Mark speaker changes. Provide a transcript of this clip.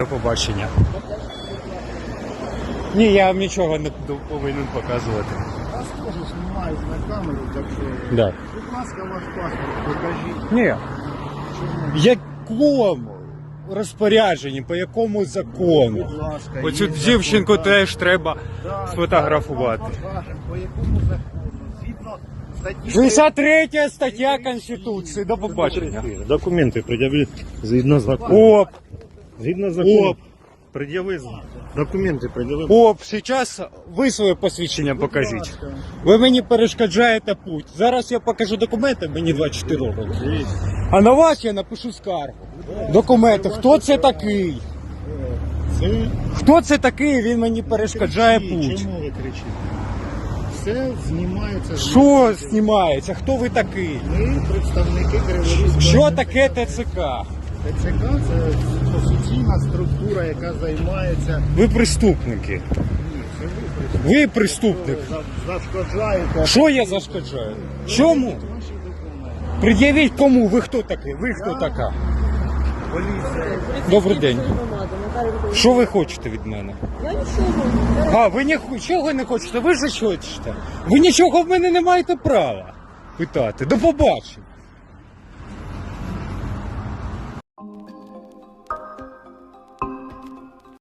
Speaker 1: До побачення. Ні, я вам нічого не повинен показувати.
Speaker 2: Вас теж знімають на камеру, так що...
Speaker 1: Да.
Speaker 2: Будь ласка, ваш паспорт покажіть.
Speaker 1: Ні.
Speaker 2: Чому?
Speaker 1: Якому розпорядженні, по якому закону?
Speaker 2: Будь ласка,
Speaker 1: Оцю
Speaker 2: є
Speaker 1: дівчинку
Speaker 2: закон,
Speaker 1: теж треба
Speaker 2: да,
Speaker 1: сфотографувати.
Speaker 2: зараз вам покажемо, по якому закону. Згідно статті...
Speaker 1: 63 стаття Конституції. До побачення.
Speaker 3: Документи пред'яви згідно закону.
Speaker 1: Оп,
Speaker 3: Згідно закону.
Speaker 1: оп,
Speaker 3: Пред'яви документи, пред'яви.
Speaker 1: оп. Зараз ви своє посвідчення покажіть. Ви мені перешкоджаєте путь. Зараз я покажу документи, мені 24 роки. А на вас я напишу скаргу. Документи. Хто це такий?
Speaker 2: Це...
Speaker 1: Хто це такий? Він мені перешкоджає путь.
Speaker 2: Чому ви кричите? Все знімається.
Speaker 1: Що знімається? Хто ви такий?
Speaker 2: Ми представники Криворізького.
Speaker 1: Що таке ТЦК?
Speaker 2: ТЦК – це офіційна структура, яка займається...
Speaker 1: Ви преступники.
Speaker 2: Ні, це ви
Speaker 1: Ви преступник.
Speaker 2: зашкоджаєте.
Speaker 1: Що я зашкоджаю? Чому?
Speaker 2: Ваші документи.
Speaker 1: Пред'явіть кому? Ви хто такий? Ви хто така?
Speaker 2: Поліція.
Speaker 1: Добрий день. Що ви хочете від мене?
Speaker 4: Я нічого.
Speaker 1: А, ви нічого не хочете? Ви ж хочете? Ви нічого в мене не маєте права питати. До побачення.